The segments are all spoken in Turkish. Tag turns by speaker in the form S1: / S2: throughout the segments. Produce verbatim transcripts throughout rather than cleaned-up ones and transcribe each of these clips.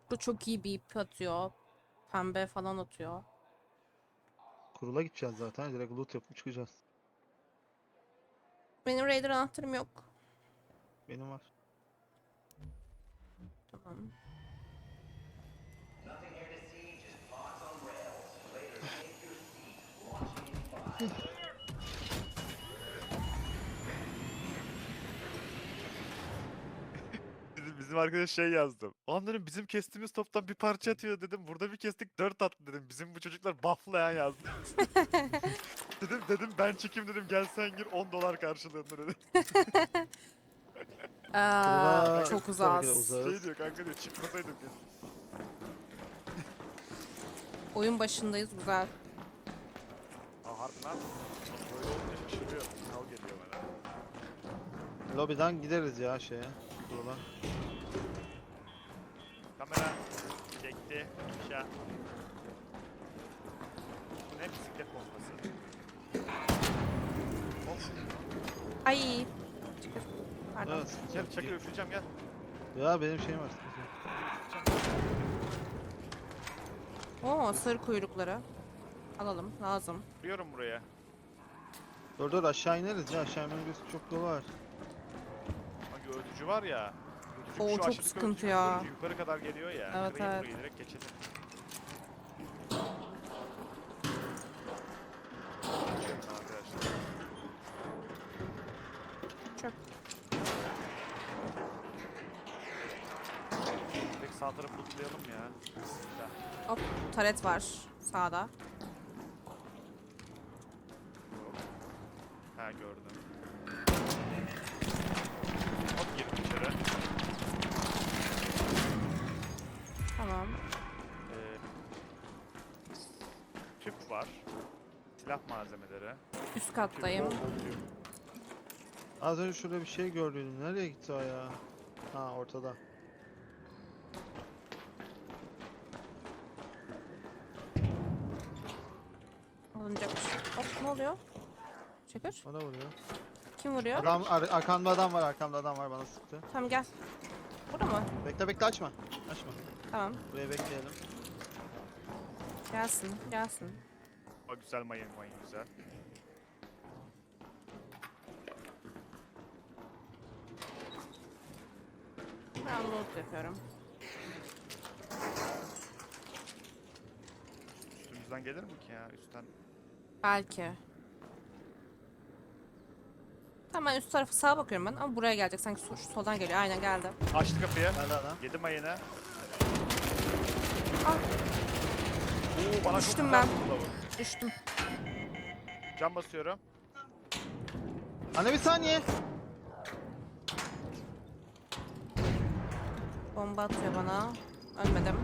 S1: Bu çok iyi bir ip atıyor. Pembe falan atıyor.
S2: Kurula gideceğiz zaten. Direkt loot yapıp çıkacağız.
S1: Benim Raider anahtarım yok.
S2: Benim var.
S1: Tamam.
S3: Bizim, bizim arkadaş şey yazdı. Ulan dedim bizim kestiğimiz toptan bir parça atıyor dedim. Burada bir kestik dört attı dedim. Bizim bu çocuklar bufflayan yazdı. dedim dedim ben çekeyim dedim gel sen gir on dolar karşılığında dedim.
S1: Aa,
S2: Kurula
S1: çok
S2: tabii ki de
S1: uzağız.
S2: uzağız.
S3: Şey diyor kanka diyor çıkmasaydım kesin.
S1: Oyun başındayız, güzel.
S3: Aa harbi lan. Böyle olunca şaşırıyorum. Kal geliyor bana.
S2: Lobiden gideriz ya şeye. Kurula.
S3: Kamera çekti. İnşa. Bu ne bisiklet pompası? Of.
S1: Ay. Çıkır. Pardon.
S2: Evet.
S3: Gel çakır üfleyeceğim gel.
S2: Ya benim şeyim var.
S1: Oo, sarı kuyrukları. Alalım, lazım.
S3: Vuruyorum buraya.
S2: Dur dur aşağı ineriz ya. Aşağı inmemiz çok yolu var.
S3: Bak öldücü var ya. Öldücü
S1: Oo,
S3: şu
S1: çok
S3: aşağıdaki
S1: sıkıntı
S3: öldücü
S1: ya.
S3: görünce yukarı kadar geliyor ya.
S1: Evet,
S3: Kırayım
S1: evet.
S3: burayı direkt geçelim. Geçiyorum arkadaşlar.
S1: Çöp.
S3: Direkt sağ tarafı lootlayalım ya. Bismillah.
S1: Hop, taret var sağda.
S3: Ha gördüm. Hop girdim içeri.
S1: Tamam.
S3: Ee, tüp var. Silah malzemeleri.
S1: Üst kattayım.
S3: Tüp, bol bol tüp.
S2: Az önce şurada bir şey gördüm. Nereye gitti o ya? Ha ortada.
S1: Alınacakmış. Hop, ne oluyor? Çakır.
S2: Bana vuruyor.
S1: Kim vuruyor?
S2: Adam ar arkamda adam var. Arkamda adam var bana sıktı.
S1: Tamam, gel. Burada mı?
S2: Bekle bekle açma. Açma.
S1: Tamam.
S2: Buraya bekleyelim.
S1: Gelsin, gelsin.
S3: O güzel mayın mayın güzel.
S1: Ben loot yapıyorum.
S3: Üstümüzden gelir mi ki ya üstten?
S1: Belki. Tamam, ben üst tarafı sağa bakıyorum ben ama buraya gelecek sanki sol- şu soldan geliyor. Aynen geldi.
S3: Açtı kapıyı.
S2: Nerede adam?
S3: Yedi mayını.
S1: Ah,
S3: Oo bana
S1: Düştüm
S3: çok güzel
S1: ben.
S3: vurdu lavuk.
S1: düştüm.
S3: Cam basıyorum.
S2: Anne bir saniye.
S1: Bomba atıyor bana. Ölmedim.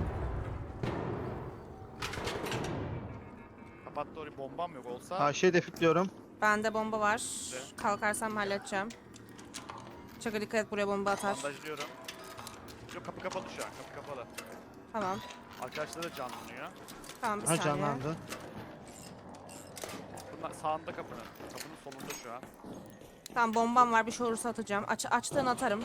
S3: Kapattı orayı bombam yok olsa.
S2: Ha şey defikliyorum.
S1: Bende bomba var.
S3: Ne?
S1: Kalkarsam halledeceğim. Çakır dikkat et, buraya bomba atar.
S3: Bandajlıyorum. Yok kapı kapalı şu an kapı kapalı.
S1: Tamam.
S3: Arkadaşlar da canlanıyor.
S1: Tamam, bir
S2: Ha
S1: saniye.
S2: canlandı.
S3: Bunlar sağında kapının. Kapının solunda şu an.
S1: Tamam, bombam var, bir şey olursa atacağım. Aç, açtığını atarım.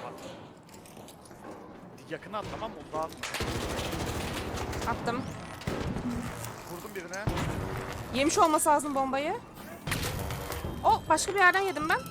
S3: Yakına at tamam mı? Uzağa atma.
S1: Attım.
S3: Vurdum birine.
S1: Yemiş olması lazım bombayı. O başka bir yerden yedim ben.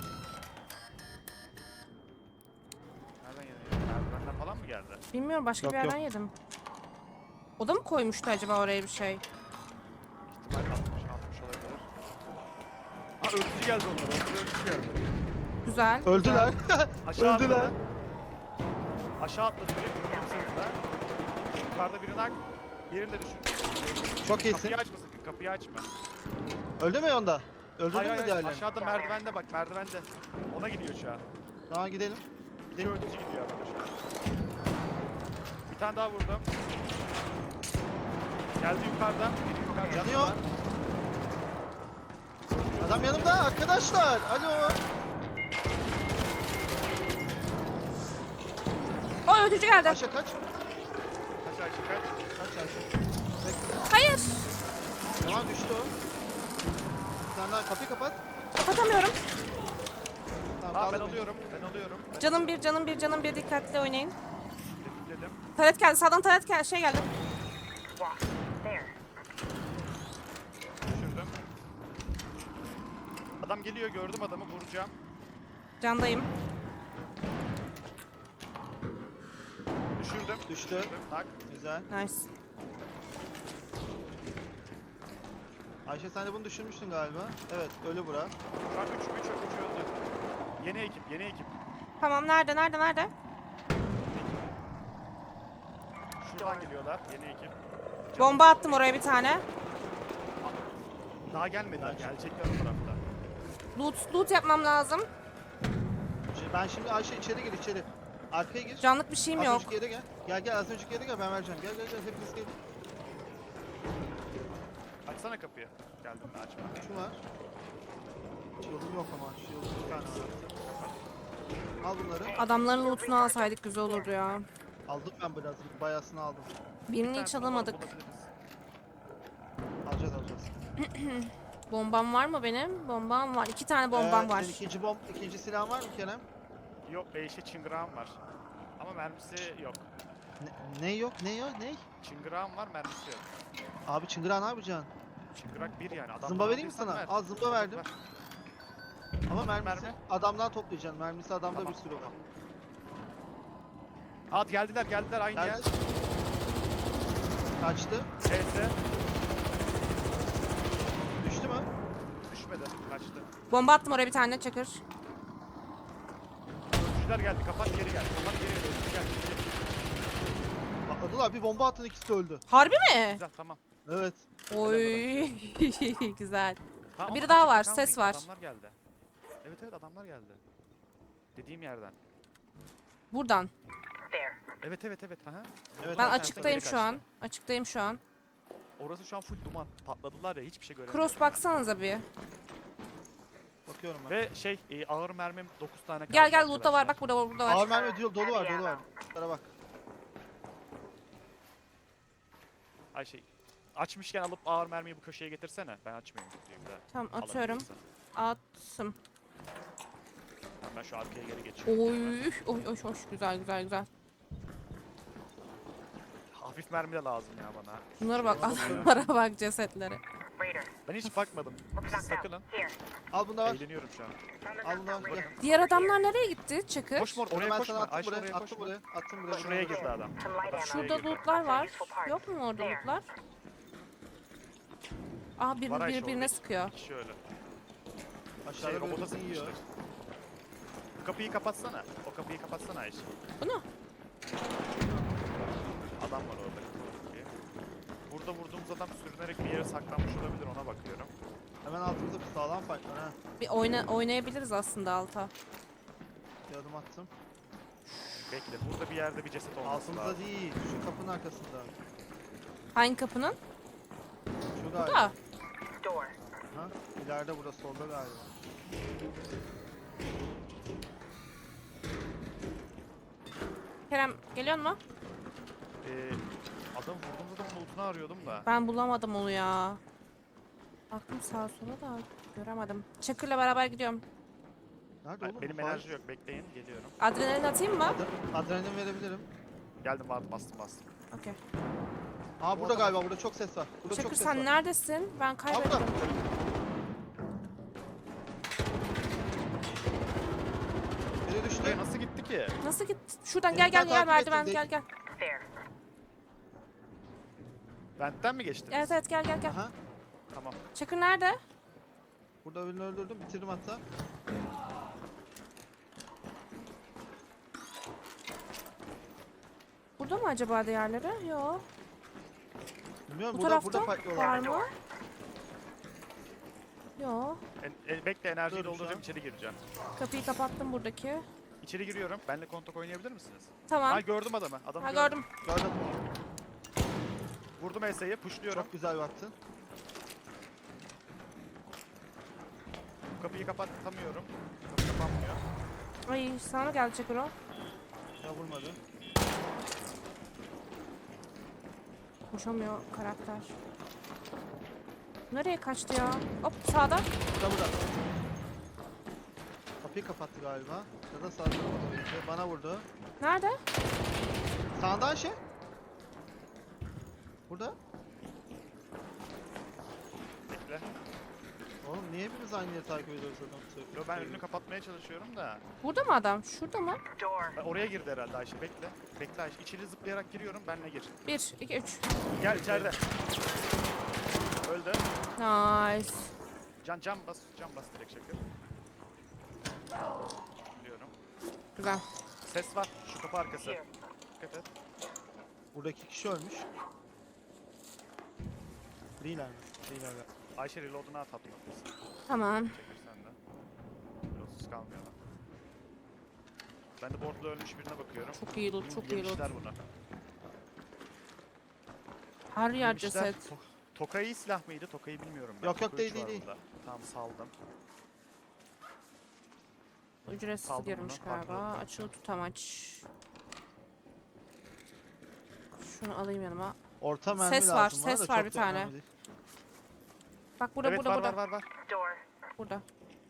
S3: Nereden geliyor? Merdivenden falan mı geldi?
S1: Bilmiyorum, başka
S2: Yok,
S1: bir yerden
S2: yok.
S1: yedim. O da mı koymuştu acaba oraya bir şey?
S3: İhtimal atmış, atmış olabilir. Ha öldürücü geldi onlar. Onlar öldürücü geldi.
S1: Güzel.
S2: Öldüler.
S3: Aşağı
S2: Öldüler.
S3: atladı. Aşağı atladı biri. Vurdum sırtına. Yukarıda birini hak. Yerini de düşün.
S2: Çok iyisin.
S3: Kapıyı açma sakın. Kapıyı açma.
S2: Öldü mü onda? Öldürdün
S3: Hayır
S2: mü
S3: hayır.
S2: diğerlerini?
S3: Aşağıda merdivende bak merdivende. Ona gidiyor şu an.
S2: Tamam gidelim.
S3: Bir öldürücü gidiyor arkadaşlar. Bir tane daha vurdum. Geldi yukarıda. Biri yukarıda.
S2: Yanıyor. Adam yanımda arkadaşlar. Alo.
S1: O ötücü geldi.
S2: Ayşe kaç.
S3: Kaç Ayşe kaç.
S2: Kaç Ayşe. Bekle.
S1: Hayır.
S2: Tamam düştü o. Sen daha kapıyı kapat.
S1: Kapatamıyorum.
S2: Tamam,
S3: Tamam ben
S2: kaldır.
S3: alıyorum. Ben alıyorum. Ben
S1: Canım bir, canım bir, canım bir, dikkatli oynayın.
S3: dedim.
S1: Taret geldi. Sağdan taret geldi. Şey geldi.
S3: Düşürdüm. Adam geliyor, gördüm adamı, vuracağım.
S1: Candayım.
S3: Düşürdüm.
S2: Düştü.
S3: Düşürdüm. Tak.
S2: Güzel.
S1: Nice.
S2: Ayşe sen de bunu düşürmüştün galiba. Evet ölü bura.
S3: Şu an üç üç üç öldü. Yeni ekip, yeni ekip.
S1: Tamam nerede nerede nerede?
S3: Şuradan geliyorlar, yeni ekip.
S1: Bomba attım oraya bir tane.
S3: Daha gelmediler, gelecekler o tarafta.
S1: Loot, loot yapmam lazım.
S2: Şimdi ben şimdi Ayşe içeri gir içeri. Arkaya gir.
S1: Canlık bir şeyim
S2: Az
S1: yok.
S2: önceki yere gel. Gel gel az önceki yere gel ben vereceğim. Gel gel gel hepiniz gelin.
S3: Açsana kapıyı. Geldim de açma.
S2: Şu var. Shield'um yok ama. Shield'um bir tane var. Al bunları.
S1: Adamların lootunu alsaydık güzel olurdu ya.
S2: Aldım ben biraz. Bayasını aldım.
S1: Birini hiç alamadık.
S2: Alacağız alacağız.
S1: Bombam var mı benim? Bombam var. İki tane bombam
S2: Ee,
S1: var.
S2: senin ikinci bomb, ikinci silahın var mı Kerem?
S3: Yok, beşe çıngırağım var. Ama mermisi yok.
S2: Ne, ne yok? Ne yok? Ne?
S3: Çıngırağım var, mermisi yok.
S2: Abi çıngırağı ne yapacaksın?
S3: Çıngırak bir yani. Adam
S2: Zımba vereyim mi sana?
S3: Ver.
S2: Al zımba verdim.
S3: Ver.
S2: Ama mermisi
S3: Mermi?
S2: adamdan toplayacaksın. Mermisi adamda
S3: Tamam,
S2: bir sürü var.
S3: tamam. At geldiler, geldiler aynı
S2: Gel.
S3: yer.
S2: Kaçtı.
S3: Neyse,
S2: Düştü mü?
S3: düşmedi, kaçtı.
S1: Bomba attım oraya bir tane çakır.
S3: Öldürücüler geldi, kapat geri gel. Kapat geri gel, öldürücü geldi.
S2: Patladılar. Bir bomba attın ikisi de öldü.
S1: Harbi mi?
S3: Güzel, tamam.
S2: Evet.
S1: Oy güzel.
S3: Tamam,
S1: Biri
S3: ama
S1: daha
S3: açıkta
S1: var,
S3: kalmayın,
S1: ses var.
S3: Adamlar geldi. Evet evet adamlar geldi. Dediğim yerden.
S1: Buradan.
S3: Evet evet evet. Aha.
S2: Evet.
S1: Ben
S3: Zaten
S1: açıktayım
S3: geri
S1: şu an.
S3: kaçtı.
S1: Açıktayım şu an.
S3: Orası şu an full duman. Patladılar ya, hiçbir şey göremiyorum.
S1: Cross baksanıza bir.
S2: Bakıyorum ben.
S3: Ve şey e, ağır mermim dokuz tane kaldı.
S1: Gel gel loot'ta var.
S3: arkadaşlar.
S1: Bak burada var burada var.
S2: Ağır mermi dolu, dolu var dolu var. Şunlara bak.
S3: Ay şey. Açmışken alıp ağır mermiyi bu köşeye getirsene. Ben açmıyorum kutuyu bir daha.
S1: Tamam atıyorum.
S3: Alabilirsen.
S1: Attım.
S3: Tamam, ben şu arkaya geri geçiyorum.
S1: Oy oy oy hoş güzel güzel güzel.
S3: Hafif mermi de lazım ya bana.
S1: Bunlara bak adamlara bak cesetlere.
S3: Ben hiç bakmadım. Siz takılın.
S2: Al bunu da var.
S3: Eğleniyorum şu an.
S2: Al bunu da var. Gel.
S1: Diğer adamlar nereye gitti Çakır?
S3: Koşma or-
S2: Onu
S3: oraya
S2: ben
S3: koşma.
S2: sana attım
S3: Ayşe
S2: buraya.
S3: oraya
S2: Attım
S3: koşma.
S2: buraya. Attım buraya.
S3: Şuraya girdi adam. Adam şuraya
S1: Şurada
S3: girdi.
S1: lootlar var. Yok mu orada lootlar? Aa bir
S3: Var Ayşe,
S1: birbirine
S3: orada
S1: sıkıyor.
S3: iki kişi öyle.
S2: Aşağıda
S3: Şey
S2: böyle
S3: robota
S2: bizi yiyor.
S3: sıkmıştır. Bu kapıyı kapatsana. O kapıyı kapatsana Ayşe.
S1: Bunu?
S3: Adam var orada. kapıyı. Burada vurduğumuz adam sürünerek bir yere saklanmış olabilir, ona bakıyorum.
S2: Hemen altımızda bir sağlam fight var ha.
S1: Bir oyna oynayabiliriz aslında alta.
S2: Bir adım attım.
S3: Bekle, burada bir yerde bir ceset olması
S2: Altımızda
S3: lazım.
S2: değil. Şu kapının arkasında.
S1: Hangi kapının?
S2: Şu
S1: Burada.
S2: galiba. Ha? İleride burada solda galiba.
S1: Kerem geliyor mu?
S3: Ee, adam vurduğumuz adamın lootunu arıyordum da.
S1: Ben bulamadım onu ya. Baktım sağa sola da göremedim. Çakır'la beraber gidiyorum.
S2: Nerede
S3: Ben-
S2: oğlum?
S3: benim
S2: Fight.
S3: enerji yok, bekleyin, geliyorum.
S1: Adrenalin atayım mı?
S2: Ad- Adrenalin verebilirim.
S3: Geldim, vardı, bastım bastım.
S1: Okey.
S2: Aa burada galiba. Burada çok ses var. Burada
S1: Çakır
S2: çok ses
S1: sen
S2: var.
S1: neredesin? Ben
S2: Aa burada.
S1: kaybettim.
S2: Biri düştü.
S3: Buraya nasıl gitti ki?
S1: Nasıl git? Şuradan
S2: Beni
S1: gel gel
S2: takip
S1: gel
S2: ettin,
S1: merdiven
S2: de-
S1: gel gel.
S3: Vent'ten mi geçtiniz?
S1: Evet evet gel gel gel.
S2: Aha.
S3: Tamam.
S1: Çakır nerede?
S2: Burada birini öldürdüm. Bitirdim hatta.
S1: Burada mı acaba diğerleri? Yok.
S2: Bilmiyorum
S1: Bu
S2: burada
S1: tarafta
S2: burada fightlıyorlar.
S1: var mı? Yok.
S3: En, en- bekle, enerjiyi
S2: Dur, şu
S3: dolduracağım,
S2: an.
S3: içeri gireceğim.
S1: Kapıyı kapattım buradaki.
S3: İçeri giriyorum. Benle kontak oynayabilir misiniz?
S1: Tamam.
S3: Ha, gördüm adamı. Adamı
S1: Ha
S3: gördüm.
S1: gördüm.
S2: Gördüm.
S3: Vurdum Ese'yi, pushluyorum.
S2: Çok güzel baktın.
S3: Kapıyı kapatamıyorum. Kapı kapanmıyor.
S1: Ay sana geldi Çakır o.
S2: Ya vurmadı.
S1: Koşamıyor karakter. Nereye kaçtı ya? Hop sağda.
S2: Burada burada. Kapıyı kapattı galiba. Ya da sağ tarafa doğru gitti. Bana vurdu.
S1: Nerede?
S2: Sağından şey. burada?
S3: Bekle.
S2: Oğlum niye hepimiz aynı yeri takip ediyoruz adam?
S3: Yo, ben önünü kapatmaya çalışıyorum da.
S1: Burada mı adam? Şurada mı?
S3: Ben oraya girdi herhalde Ayşe, bekle. Bekle Ayşe, içeri zıplayarak giriyorum, benle gir.
S1: Bir, iki, üç.
S3: Gel içeride. Öldü.
S1: Nice.
S3: Can can bas, can bas direkt şaka. Biliyorum.
S1: Güzel.
S3: Ses var, şu kapı arkası. Dikkat et.
S2: Buradaki kişi ölmüş. Değiller mi? Değiller mi?
S3: Ayşe reload'unu at atma.
S1: Tamam.
S3: Çekir sen de. Reloadsuz kalmıyorlar. Ben de board'da ölmüş birine bakıyorum.
S1: Çok iyi loot, çok iyi loot.
S3: Yemişler bunu.
S1: Her yer
S3: Yemişler.
S1: ceset.
S3: To- Tokayı silah mıydı? Tokayı bilmiyorum ben.
S2: Yok, yok,
S3: Toka
S2: değil,
S3: üç
S2: değil,
S3: var
S2: değil.
S3: burada. Tamam, saldım.
S1: Ücretsiz
S3: Saldım
S1: girmiş
S3: bunu,
S1: galiba.
S3: pardon.
S1: Açılı tutamaç. Şunu alayım yanıma.
S2: Orta mermi
S1: Ses
S2: lazım
S1: var,
S2: bana
S1: ses
S2: da
S1: var
S2: çok
S1: bir
S2: da
S1: tane.
S2: önemli değil.
S1: Bak burada,
S3: Evet,
S1: burada,
S3: var,
S1: burada.
S3: var var var.
S1: Burada.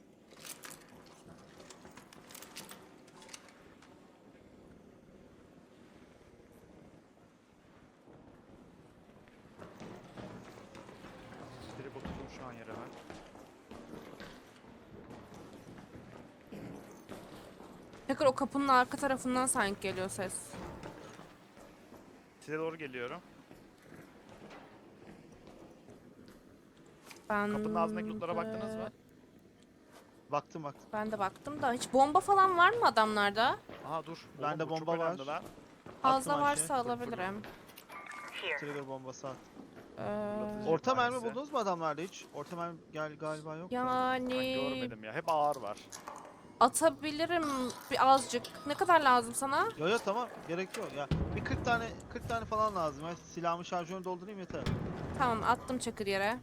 S3: Direkt oturdum şu an yere ben.
S1: Tekrar o kapının arka tarafından sanki geliyor ses.
S3: Size doğru geliyorum.
S1: Ben
S3: Kapının ağzındaki lootlara
S1: de-
S3: baktınız mı?
S2: Baktım baktım.
S1: Ben de baktım da hiç bomba falan var mı adamlarda?
S3: Aha dur.
S2: Bende
S3: Oğlum bu çok
S2: bomba var.
S3: önemli lan.
S1: Fazla
S2: Attım
S1: varsa
S2: Ayşe.
S1: alabilirim.
S2: Trigger bombası at.
S1: Ee,
S2: Orta mermi
S3: tanesi.
S2: buldunuz mu adamlarda hiç? Orta mermi gel galiba yok. da.
S3: Ben
S1: yani
S3: görmedim ya. Hep ağır var.
S1: atabilirim bir azıcık. Ne kadar lazım sana?
S2: Yo yo tamam gerek yok ya. Bir kırk tane kırk tane falan lazım. Ya. Silahımı şarjörünü doldurayım yeter.
S1: Tamam, attım çakır yere.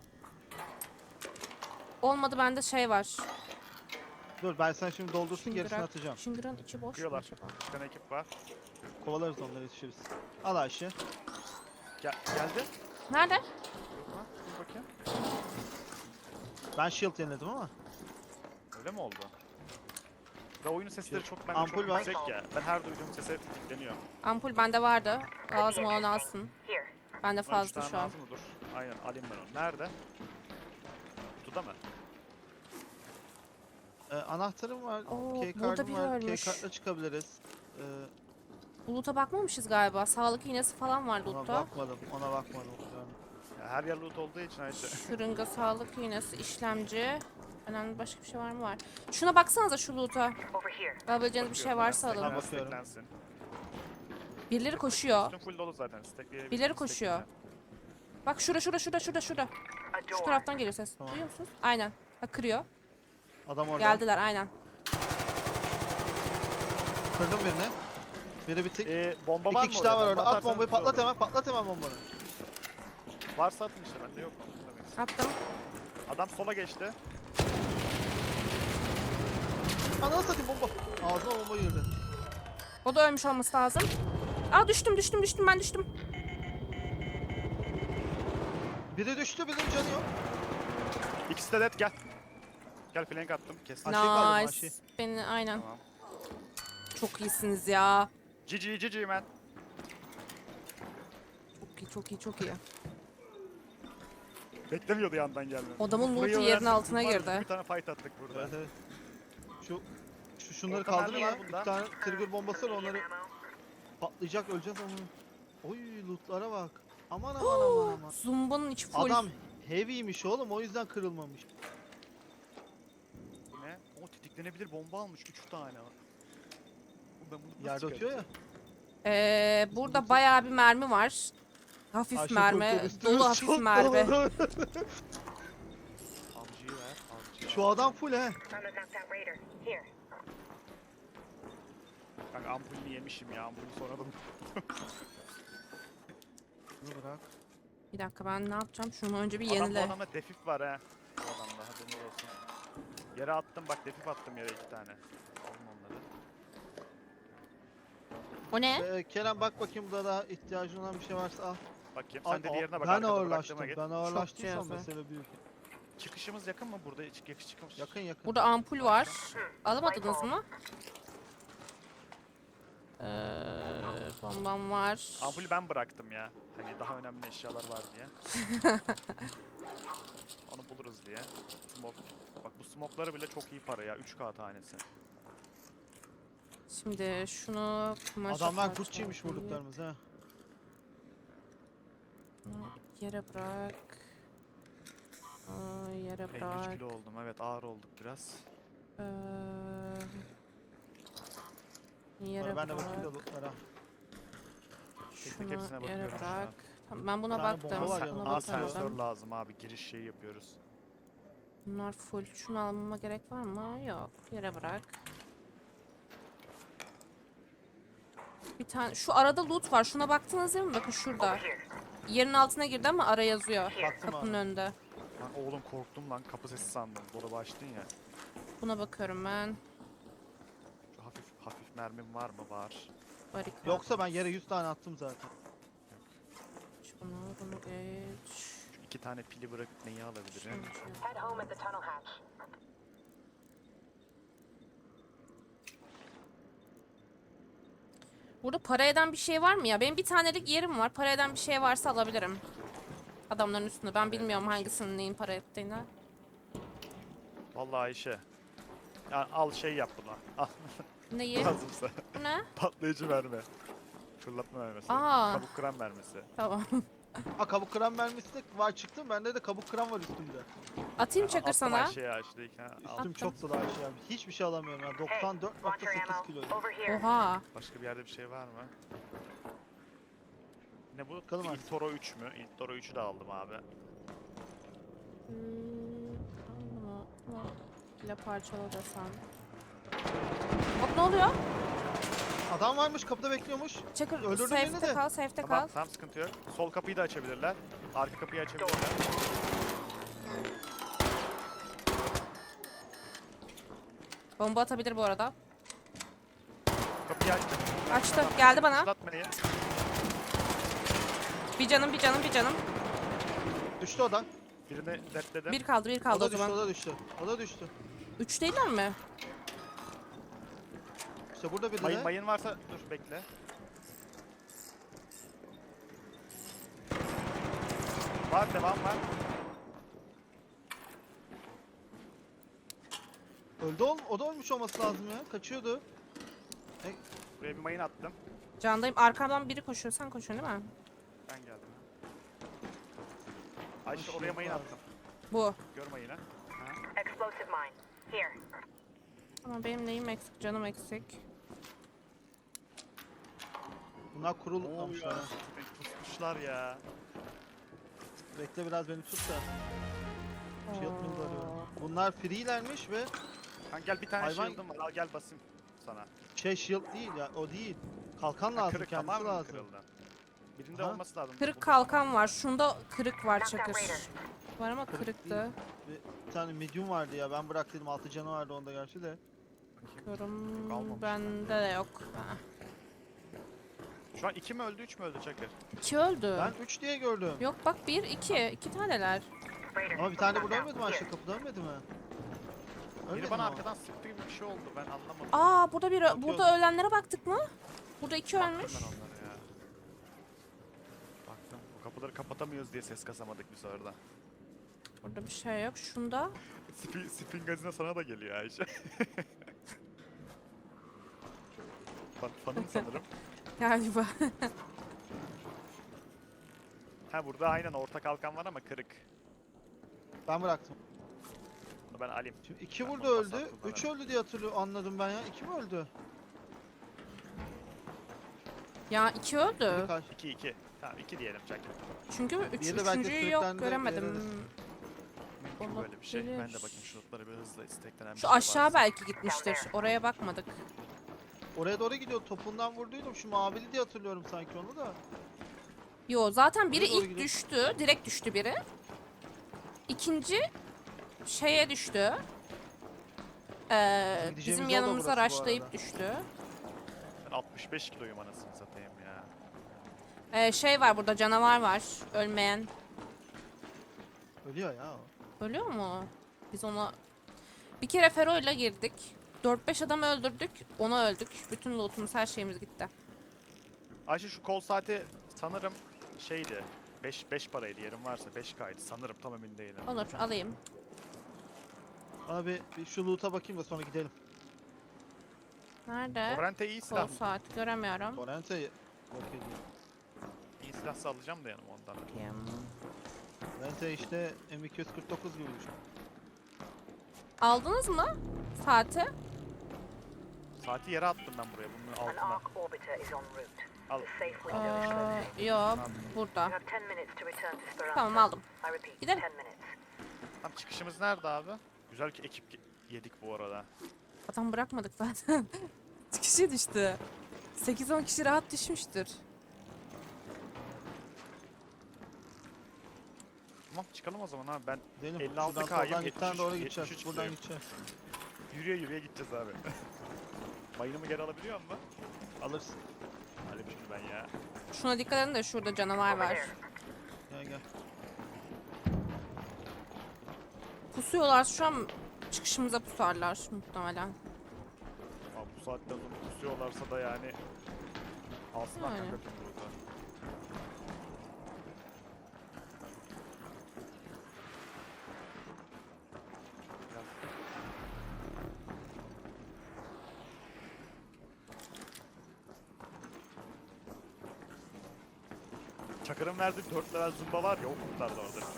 S1: Olmadı, bende şey var.
S2: Dur ben sana şimdi doldursun gerisini
S1: Şıngırak.
S2: atacağım.
S1: Şıngırın içi boş mu
S3: Bakıyorlar.
S1: acaba?
S3: Bir tane ekip var.
S2: Kovalarız onları yetişiriz. Al Ayşe.
S3: Gel geldi.
S1: Nerede?
S3: Yok lan. Dur bakayım.
S2: Ben shield yeniledim ama.
S3: Öyle mi oldu? Ve oyunun sesleri çok bende
S2: Ampul
S3: çok
S2: var.
S3: yüksek ya. Ben her duyduğum sese tetikleniyor.
S1: Ampul bende vardı. Lazım olan alsın. Bende
S3: Lan üç
S1: fazla
S3: tane
S1: şu an.
S3: lazım mı? Dur. Aynen alayım ben onu. Nerede? Kutuda mı?
S2: Ee, anahtarım var.
S1: Oo,
S2: Key
S1: burada
S2: kartım
S1: biri
S2: var. Key
S1: ölmüş.
S2: kartla çıkabiliriz. Ee,
S1: Loot'a bakmamışız galiba. Sağlık iğnesi falan var
S2: ona
S1: loot'ta.
S2: bakmadım. Ona bakmadım. Yani.
S3: Ya her yer loot olduğu için Ayşe.
S1: Şırınga, sağlık iğnesi, işlemci. Önemli başka bir şey var mı? Var. Şuna baksanıza şu loot'a. Alabileceğiniz bir şey
S3: Bakıyorum,
S1: varsa
S3: ben
S1: alın.
S2: Tamam.
S3: steklen-
S2: bakıyorum.
S3: steklensin.
S1: Birileri koşuyor.
S3: Üstüm full dolu zaten. Stekleyebiliriz,
S1: Birileri koşuyor.
S3: stekle.
S1: Bak şura şura şura şurada şurada. Şu taraftan geliyor ses.
S2: Tamam.
S1: Duyuyor musunuz? Aynen. Bak kırıyor.
S2: Adam orada.
S1: Geldiler aynen.
S2: Kırdım birini. Biri bitik.
S3: Ee, bomba var
S2: İki
S3: mı
S2: kişi daha var
S3: oraya?
S2: orada.
S3: Bomba
S2: At bombayı
S3: atarsanız
S2: patlat
S3: iyi olur.
S2: hemen. Patlat hemen bombanı.
S3: Varsa atın işte, bende yok. Tabii.
S1: Attım.
S3: Adam sola geçti.
S2: Ananı satayım bomba. Ağzıma bomba girdi.
S1: O da ölmüş olması lazım. Aa düştüm düştüm düştüm ben düştüm.
S2: Biri düştü birinin canı yok.
S3: İkisi de dead, gel. Gel, flank attım. Kesin.
S2: Aşağı kaldım,
S1: Nice.
S2: aşağı.
S1: Beni aynen.
S3: Tamam.
S1: Çok iyisiniz ya.
S3: G G G G man.
S1: Çok iyi çok iyi çok iyi.
S3: Beklemiyordu yandan gelmemi.
S1: Adamın
S3: Burayı
S1: loot'u yerin
S3: öğrensek
S1: altına
S3: biz var ya,
S1: girdi.
S3: Bir tane fight attık burada.
S2: Evet evet. Şu şu şunları
S3: Orta
S2: kaldırın
S3: mermi
S2: lan.
S3: var bunda.
S2: Bir tane trigger bombası var onları patlayacak öleceğiz ama. Oy lootlara bak. Aman aman aman aman.
S1: Zumba'nın içi full.
S2: Adam heavy'miş oğlum o yüzden kırılmamış.
S3: Bu ne? O tetiklenebilir bomba almış. üç tane var. Oğlum ben bunu nasıl
S2: Yerde atıyor ya.
S1: Ee, burada bayağı bir mermi var. Hafif
S2: Ayşe
S1: mermi,
S2: korkuyor, üstümüz
S1: dolu hafif
S2: çok
S1: mermi.
S2: dolu.
S3: Avcıyı ver. Avcıyı
S2: Şu
S3: ver.
S2: adam full he.
S3: Kanka ampulünü yemişim ya. Ampulü sonradan.
S2: Bunu bırak.
S1: Bir dakika ben ne yapacağım? Şunu önce bir
S3: Adam, bu
S1: yenile.
S3: adamda defif var ha. Bu adamda haberin olsun. Yere attım bak, defif attım yere iki tane. Alın onları.
S1: O ne?
S2: Ee, Kerem bak bakayım burada daha ihtiyacın olan bir şey varsa al.
S3: Bakayım
S2: Al,
S3: sen de
S2: al.
S3: diğerine bak.
S2: Ben
S3: arkada
S2: ağırlaştım.
S3: bıraktığıma
S2: Ben
S3: git.
S2: ağırlaştıysam
S1: cihazı.
S2: mesele büyük.
S3: Çıkışımız yakın mı? Burada çık yakış çıkış.
S2: Yakın yakın.
S1: Burada ampul var. Alamadınız mı? Ee, Bombam var.
S3: Ampulü ben bıraktım ya. Hani daha önemli eşyalar var diye. Onu buluruz diye. Smoke. Bak bu smoke'ları bile çok iyi para ya. üç K tanesi.
S1: Şimdi şunu kumaşa
S2: Adamlar
S1: parçalayıp
S2: Gucci'ymiş vurduklarımız ha.
S1: bunu yere bırak. Aa, yere
S3: elli üç
S1: bırak.
S3: kilo oldum. Evet ağır olduk biraz.
S1: Ee, yere
S2: Sonra ben de
S1: bırak.
S2: bakayım da lootlara.
S3: Tek tek
S1: Şunu
S3: hepsine
S1: yere
S3: bakıyorum şu
S1: bırak.
S3: an.
S1: Tamam, ben buna
S2: Bir tane
S1: baktım.
S2: bomba var
S1: Buna
S2: yanımda.
S3: Aa sensör
S1: bakardım.
S3: lazım abi. Giriş şeyi yapıyoruz.
S1: Bunlar full. Şunu almama gerek var mı? Yok. Yere bırak. Bir tane şu arada loot var. Şuna baktınız değil mi? Bakın şurada. Yerin altına girdi ama ara yazıyor.
S2: Baktım
S1: Kapının
S2: abi.
S1: önünde.
S3: Lan oğlum korktum lan. Kapı sesi sandım. Dolaba açtın ya.
S1: Buna bakıyorum ben.
S3: Şu hafif hafif mermim var mı? Var.
S1: Barikat.
S2: Yoksa ben yere yüz tane attım zaten.
S1: Şunu, bunu geç.
S3: Şu iki tane pili bırakıp neyi
S1: Şunu
S3: alabilirim?
S1: şey yap.
S4: Head home at the tunnel hatch.
S1: Burada para eden bir şey var mı ya? Benim bir tanelik yerim var. Para eden bir şey varsa alabilirim. Adamların üstünde. Ben bilmiyorum hangisinin neyin para ettiğini.
S3: Vallahi Ayşe. Ya al şey yap buna. Al
S1: Neyi?
S3: lazımsa.
S1: Bu ne?
S3: Patlayıcı mermi. Fırlatma mermisi.
S1: Aa.
S3: Kabuk kıran mermisi.
S1: Tamam.
S2: Ha kabuk kıran mermisi de var çıktı. Bende de kabuk kıran var üstümde.
S1: Atayım çakır
S3: Attım
S1: sana.
S3: Ayşe'ye Ayşe'deyken. Al.
S2: Üstüm
S1: Attım.
S2: çok dolu Ayşe abi. Hiçbir şey alamıyorum ya.
S4: Hey,
S2: doksan dört
S4: watch
S2: nokta
S4: your
S2: sekiz
S4: ammo.
S2: kilo.
S4: Over here.
S1: Oha.
S3: Başka bir yerde bir şey var mı? Ne bu?
S2: Bakalım artık.
S3: İlk Toro üç mü? İlk Toro üçü de aldım abi.
S1: Hmm, bunu, bunu ile parçala desem. Hop, ne oluyor?
S2: Adam varmış kapıda bekliyormuş.
S1: Çakır
S2: Öldürdün beni
S1: safe'te
S2: de.
S1: kal, safe'te
S3: Tamam,
S1: kal.
S3: tamam sıkıntı yok. Sol kapıyı da açabilirler. Arka kapıyı açabilirler.
S1: Bomba atabilir bu arada.
S3: Kapıyı açtım.
S1: Açtı. Geldi bana.
S3: Atlatmayı.
S1: Bir canım, bir canım, bir canım.
S2: Düştü o da.
S3: Birini detledim.
S1: Bir kaldı, bir
S2: O
S1: kaldı
S2: da
S1: o
S2: düştü,
S1: zaman.
S2: o da düştü. O da düştü.
S1: Üç değiller mi?
S2: İşte burada biri
S3: Mayın
S2: de.
S3: mayın varsa dur bekle. Var devam var.
S2: Öldü ol, o da ölmüş olması lazım ya. Kaçıyordu.
S3: Buraya bir mayın attım.
S1: Candayım. Arkamdan biri koşuyor. Sen koşuyorsun değil mi?
S3: Ben geldim. Ayşe
S2: Ay,
S3: oraya mayın
S2: var.
S3: attım.
S1: Bu.
S3: Gör mayını. Ha.
S4: Explosive mine. Here.
S1: Ama benim neyim eksik? Canım eksik.
S2: Bunlar kurul
S3: Ne oluyor?
S2: almışlar. ha.
S3: Tutmuşlar ya.
S2: Bekle biraz beni tut da. Şey yapmayayım da arıyorum.
S1: Oo.
S2: Bunlar free'lermiş ve
S3: Kan gel bir tane
S2: Hayvan-
S3: shield'ım var. Al gel basayım sana.
S2: şey shield değil ya, o değil. Kalkan
S3: Ha,
S2: lazım,
S3: kırık
S2: kendisi
S3: tamamen
S2: lazım.
S3: kırıldı. Birinde
S2: Ha?
S3: olması lazım.
S1: Kırık
S3: Bu-
S1: kalkan var. Şunda kırık var Çakır. Var ama
S2: Kırık
S1: kırıktı.
S2: Bir tane medium vardı ya, ben bıraktım, altı canı vardı onda gerçi de.
S1: Bakıyorum.
S3: Kalmamış
S1: Bende de yok. Ha.
S3: Şu an iki mi öldü, üç mü öldü Çakır?
S1: İki öldü.
S2: Ben üç diye gördüm.
S1: Yok bak, bir, iki. İki taneler.
S4: Raider.
S2: Ama bir tane burada
S4: Down.
S2: ölmedi mi
S4: Here.
S2: Ayşe, kapıda ölmedi mi? Ölmedi
S3: Biri bana
S2: mi o?
S3: arkadan sıktı gibi bir şey oldu. Ben anlamadım.
S1: Aa, burada bir
S2: Bakıyorum.
S1: burada ölenlere baktık mı? Burada iki
S3: Baktım
S1: ölmüş.
S3: ben onlara ya. Baktım. Bu kapıları kapatamıyoruz diye ses kasamadık biz orada.
S1: Burada bir şey yok. Şunda.
S3: Spin, spin gazine sana da geliyor Ayşe. Fan, fanım sanırım.
S1: Galiba.
S3: Ha burada aynen orta kalkan var ama kırık.
S2: Ben bıraktım.
S3: Bunu ben alayım.
S2: Şimdi iki
S3: Ben
S2: burada
S3: bomba
S2: öldü,
S3: sattım bana.
S2: üç öldü diye hatırlıyorum, anladım ben ya. İki mi öldü?
S1: Ya iki öldü.
S2: Kaç?
S3: iki iki. Tamam iki diyelim Çakır.
S1: Çünkü üç,
S2: Diğeri de belki
S1: üçüncüyü yok
S2: sürüklendi,
S1: göremedim.
S2: veririz.
S3: Mümkün böyle bir şey. Ben de
S1: Olabilir.
S3: bakayım şu notları bir hızla isteklenen bir
S1: Şu
S3: şey
S1: aşağı
S3: varsa.
S1: belki gitmiştir. Oraya bakmadık.
S2: Oraya doğru gidiyor, topundan vurduydum. Şu mavili diye hatırlıyorum sanki onu da.
S1: Yo, zaten biri
S2: Oraya doğru
S1: ilk
S2: gidiyor.
S1: düştü. Direkt düştü biri. İkinci şeye düştü. Ee,
S2: Gideceğimiz
S1: bizim
S2: yol da
S1: yanımıza
S2: burası bu
S1: raşlayıp
S2: arada.
S1: düştü.
S3: Ben altmış beş kiloyum anasını satayım ya.
S1: Ee, şey var burada, canavar var. Ölmeyen.
S2: Ölüyor ya o.
S1: Ölüyor mu? Biz ona... Bir kere Fero'yla girdik. dört beş adam öldürdük. Ona öldük. Bütün lootumuz, her şeyimiz gitti.
S3: Ayşe şu kol saati sanırım şeydi. beş beş paraydı yerim varsa beş kaydı sanırım tam emin değilim.
S1: Olur alayım.
S2: Abi bir şu loot'a bakayım da sonra gidelim.
S1: Nerede?
S3: Torrent'e iyi
S1: Kol
S3: silah mı?
S1: saat göremiyorum.
S2: Torrent'e yok ediyor.
S3: İyi silahsa alacağım da yanıma ondan.
S1: Bakayım.
S2: Torrent'e işte M iki yüz kırk dokuz gibi düşün.
S1: Aldınız mı saati?
S3: Saati yere attım ben buraya bunun
S4: An
S3: altına.
S4: arc orbiter is en route.
S3: Al.
S4: The safe window is closing.
S1: Ee, yok burada.
S4: You have ten minutes to return to Speranza.
S1: Tamam aldım.
S4: I repeat,
S1: Gidelim.
S4: ten minutes.
S3: Tam çıkışımız nerede abi? Güzel ki ekip ge- yedik bu arada.
S1: Adam bırakmadık zaten. Kaç kişi düştü? sekiz on kişi rahat düşmüştür.
S3: Tamam çıkalım o zaman abi ben
S2: Gidelim.
S3: elli altı
S2: Şuradan
S3: K'yım,
S2: soldan gitten doğru
S3: yetmiş üç,
S2: gideceğiz.
S3: yetmiş üç
S2: Buradan
S3: kiloyum.
S2: gideceğiz.
S3: yürüye yürüye gideceğiz abi. Mayınımı geri alabiliyor musun?
S2: Alırsın.
S3: Alayım şunu ben ya.
S1: Şuna dikkat edin de şurada canavar
S4: Over
S1: var.
S4: there.
S2: Gel gel.
S1: Pusuyorlar şu an çıkışımıza pusarlar muhtemelen.
S3: Abi bu saatten sonra kusuyorlarsa da yani alsınlar
S1: Yani.
S3: kanka tüm burada. Çakır'ın verdiği dört level zumba var ya o kurtardı orada.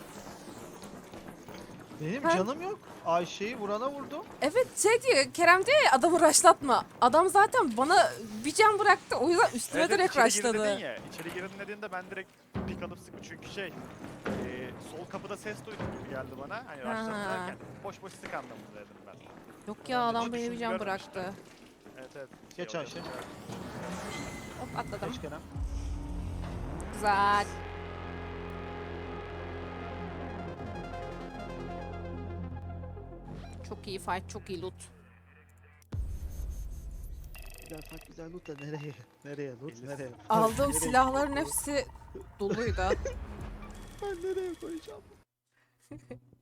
S2: Benim
S1: Ha?
S2: canım yok. Ayşe'yi vurana vurdum.
S1: Evet şey diyor Kerem diyor ya adamı rushlatma. Adam zaten bana bir can bıraktı o yüzden üstüme
S3: Evet, evet,
S1: direkt
S3: içeri girin dedin
S1: rushladı.
S3: ya. İçeri girin dediğinde ben direkt pik alıp sıktım çünkü şey e, sol kapıda ses duydum gibi geldi bana. Hani
S1: Ha.
S3: başladım derken boş boş sık anlamında dedim ben.
S1: Yok ya
S3: Ben de
S1: adam
S3: hiç
S1: bana bir
S3: düşündüm,
S1: can
S3: görmemiştim.
S1: bıraktı.
S3: Evet evet.
S2: Geç
S3: Şey
S2: Ayşe.
S3: oluyor.
S1: Hop atladım.
S2: Geç Kerem.
S1: Güzel. Çok iyi fight, çok iyi loot.
S2: Güzel bak güzel loot da nereye? Nereye loot
S3: elli
S2: nereye?
S1: Aldığım
S2: Nereye
S1: silahların
S2: koyacağım?
S1: hepsi doluydu.
S2: Ben nereye koyacağım?